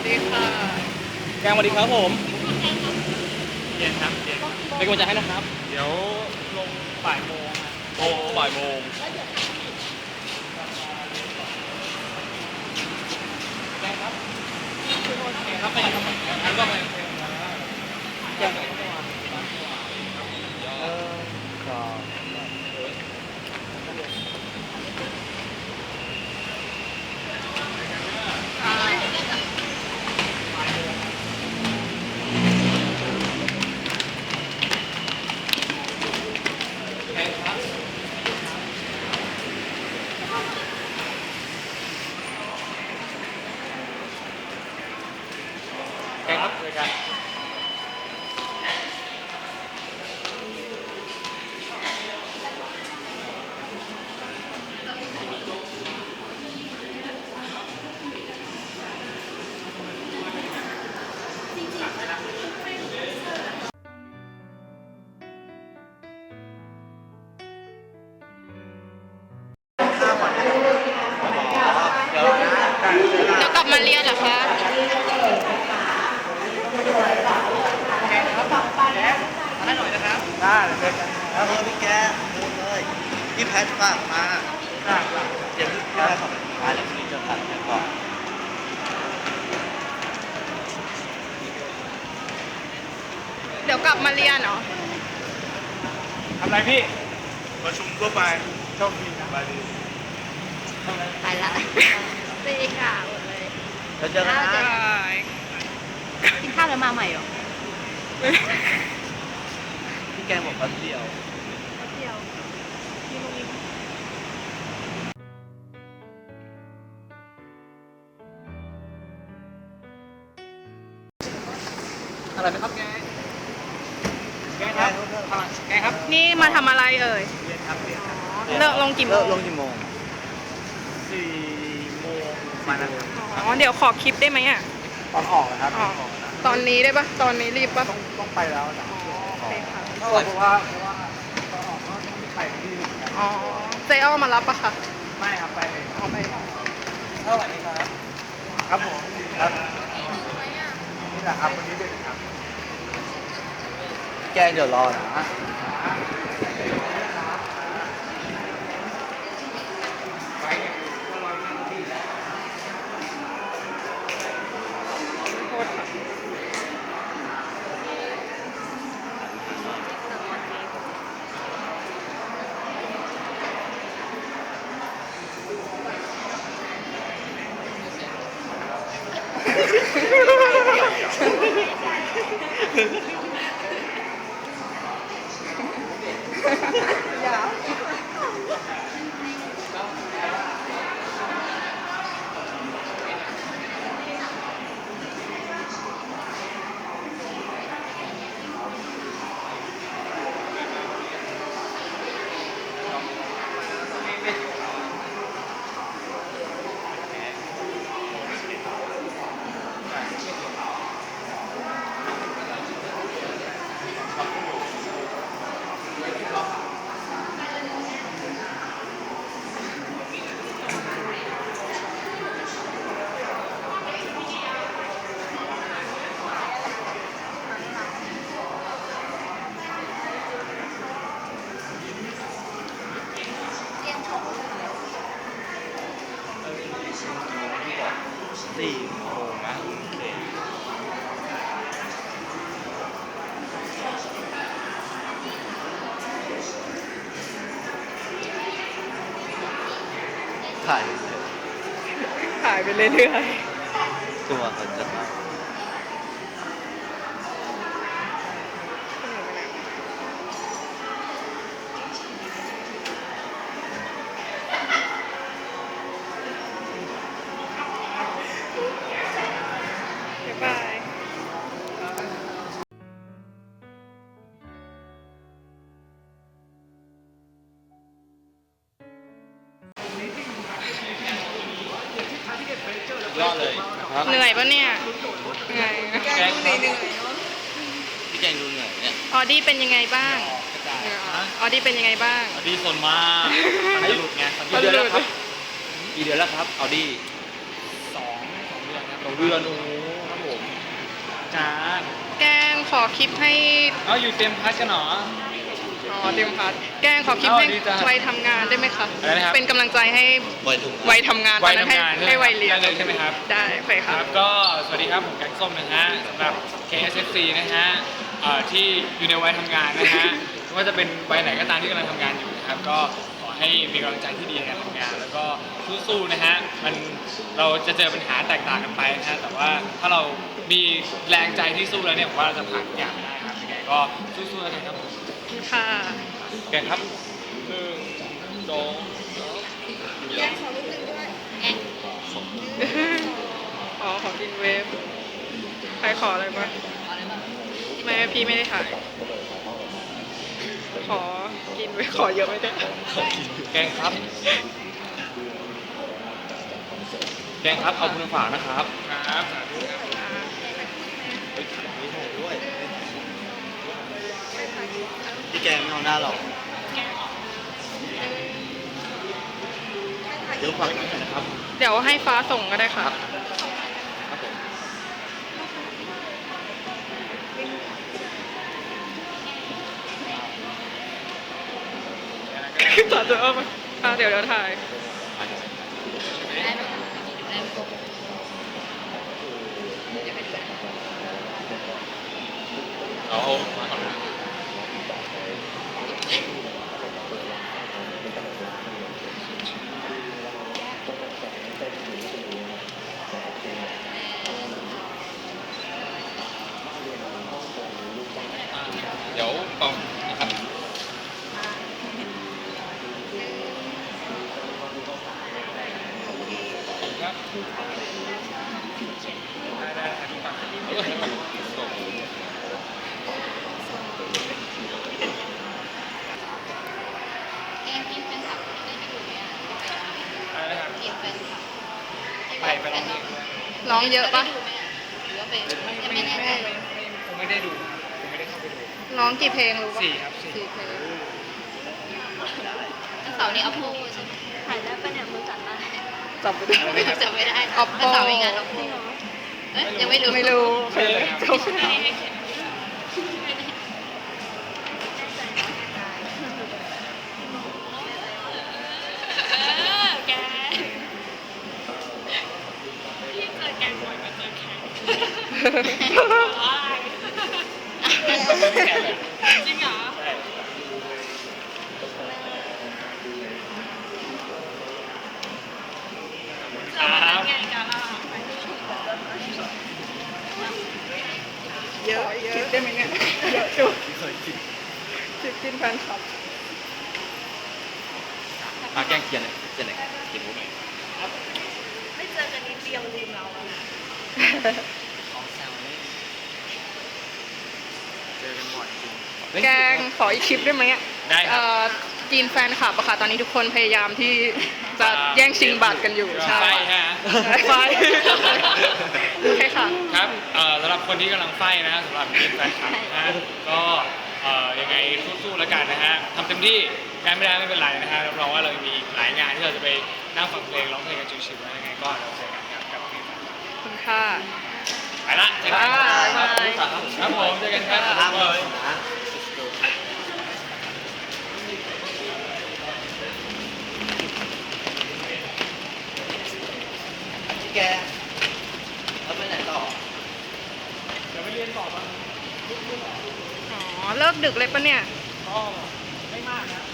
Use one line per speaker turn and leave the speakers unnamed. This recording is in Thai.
ดีค่ะ
แกงสวัสดีครับผม
เย็นครับเย็น
เป็นกำลังใจให้นะครับ
เดี๋ยวลงบ่ายโมงครับ
โอ้บ่ายโมงแกงครับแกงครับไปไหนครับงั้นก็ไปแกงไหนครับ
ก็
แกงครับแกงครับเลยกัน
เดี๋ยวกลับมาเรียนเหรอคะ
ให้หน่อยนะครับ
ได้เลยแล้วพี่แกพูดเลยพี่แพทฝากมาเดี๋ยวพี่แกขอบคุณมาเดี๋ยวพี่จะตัดแกก่อน
เดี๋ยวกลับมาเรียนเหรอ
ทำอะไรพี่
ประชุมทั่วไปโชคดีนะบายดี
ไปละตีค่ะหมดเลย
เราเจอกันนะ
กินข้าวแล้วมาใหม่เหรอ
พี่แกบอกแป๊บเดียว
เดี๋ยวมีโรงเรียน
อะไรนะครับแกงแกงครับแกงครับ
นี่มาทำอะไรเอ่ย
เรียนครับเรียนครับ
เลิกลงกี่โม
เลิ
ง
กลงกี่โมง4 โมงมานั้น
อ๋อ เดี๋ยวขอคลิปได้ไหมอ่ะ
ตอนออกนะครับ
อ๋อ ตอนนี้ได้ปะตอนนี้รีบปะ
ต้องไปแล้วนะ
อ๋อโอเคค่ะ
เพราะว่าตอนออกก็ต้องไปที่อื่นกัน
อ๋อ เจอ้อมารับปะคะ
ไม่ครับไปเลย
อ๋อไป
เท่าไหร่นี่ครับครับผมครับนี่แหละครับวันนี้เด็กครับแกเดี๋ยวรอนะ
โทษค่ะอย่า
4 โมงนะถ่าย
ถ่ายไปเรื่อย
ตัวเขาจะมา
ๆบ๊ายบาย
ยอดเลยนะครับ
เหนื่อยปะเนี่ย เหนื่อย
แกงเหนื่อยพี่แกงดูเหนื่อยเนี่ย
ออดี้เป็นยังไงบ้าง ออดี้เป็นยังไงบ้าง
เอาดีส่วนมากมันจะหลุดไงกี่เดือนแล้วครับกี่เดือนแล้วครับเอาดี2 เดือนครับ2 เดือนโอ้โหการ
แกงขอคลิปให้
เอาอยู่เต็มพัดกันเหรอ
อ๋อเตรียมพัดแกงขอคลิปให้
ดีจ้ะ
วัยทำงานได้ไหมคะ
อะไรนะครับ
เป็นกำลังใจให้
วัยถุง
วัยทำงานตอนนั้นให้วัยเรียน
ได้เลยใช่ไหมครับ
ได้ไป
ค
ค่ะ
รับก็สวัสดีครับผมแกงส้มนะฮะสำหรับ KSFC นะฮะที่อยู่ในวัยทำงานนะฮะไม่ว่าจะเป็นวัยไหนก็ตามที่กำลังทำงานอยู่นะครับก็ขอให้มีกำลังใจที่ดีในการทำงาน แล้วก็สู้ๆนะฮะเราจะเจอปัญหาแตกต่างกันไปนะฮะแต่ว่าถ้าเรามีแรงใจที่สู้แล้วเนี่ยผมว่าเราจะผ่านทุกอย่างไปได้ครับยังไงก็สู้ๆแล้วกันครับผม
ค่ะ
แกงครับ1 2
แกงขอลูกหนึ่งด้วยแอะ
อ๋อขอกินเวฟใครขออะไรบ้างไม่พี่ไม่ได้ถ่าย ขอกินเวฟขอเยอะไม่ได้
แกงครับ แกงครับเอาคุณฝากนะครับครับสาธุครับ
มีหมูด้วยพี่แกไม่เอาหน้าหรอกเดี๋ยวฟังอีกหน่อยนะครับ
เดี๋ยวให้ฟ้าส่งก็ได้ค่ะ
ครับผม
ตัดเดี๋ยวเอามาเดี๋ยวถ่าย
ได้ไหมได้ไหมเดี๋ยวไปดูนะ
เอามาก่อนนะเดี๋ยวปองนะครับครับได้ครับพี่ปังส่ง
แกงกินแฟนคลับได้ไปดูไหมอ่ะ
อะไรนะครับ
กินแฟนคลับ
ไปลองดู
ร้องเยอะปะ
ได้ดูไหมอ่ะหรือว่าเป็นยังไม่แน่ใจ
ผมไม่ได้ดูผมไม่ได้เข้าไปดู
ร้องกี่เพลงรู้ปะ
4 ครับ 4
สี่เพลง
วันเสาร์นี้เอาพูใช่ไหมถ่ายได้ปะเนี่ยมือสั่นมาก
จับไม่ได้
จำไม่ได้
Oppo
วันเสาร์มีงาน Oppo เอ้ยยังไม่รู้
ไม่รู้
ไม่เลยครับ
จบไม่ได้
แกพี่เจอแกงบ่อยมาเจอแกงจริงเหรอ
ครับ
แกงกันล่ะ
เยอะคิดได้ไหมเนี่ยเยอะจุด
ที่เคยกิน
คิดกินแฟนคลับ
มาแกล้งเกียร์หน่อยเกียร์หน่อยเกียร์หมูหน่อย
ไม่เจอกันนิดเดียวลืมเราอะ
ของแซวนี่เจอกันบ่อยจริง
แกงขออีกคลิปได้ไหมอ่ะ
ได้ครับ
จีนแฟนคลับอะค่ะ ตอนนี้ทุกคนพยายามที่จะแย่งชิงบัตรกันอยู่
ไฟฮะ
ไฟโอเคค่ะ
ครับสำหรับคนที่กำลังไฟนะฮะสำหรับทีมแฟนคลับนะฮะก็ยังไงสู้ๆแล้วกันนะฮะทำเต็มที่งานไม่ได้ไม่เป็นไรนะฮะรับรองว่าเรายังมีอีกหลายงานที่เราจะไปนั่งฟังเพลงร้องเพลงกันชิวๆนะยังไงก็เราเจอกันครับกับทีมแฟนคลับ
ขอบคุณค่ะ
ไปละเจอกัน
บ๊ายบาย
ครับผมเจอกันครับ
ห้ามเลยนะพี่แกแล้วไปไหนต่อ
เดี๋ยวไปเรียนต่อป่ะ
อ๋อ เลิกดึกเลยปะเนี่ย
ก็ไม่มากนะ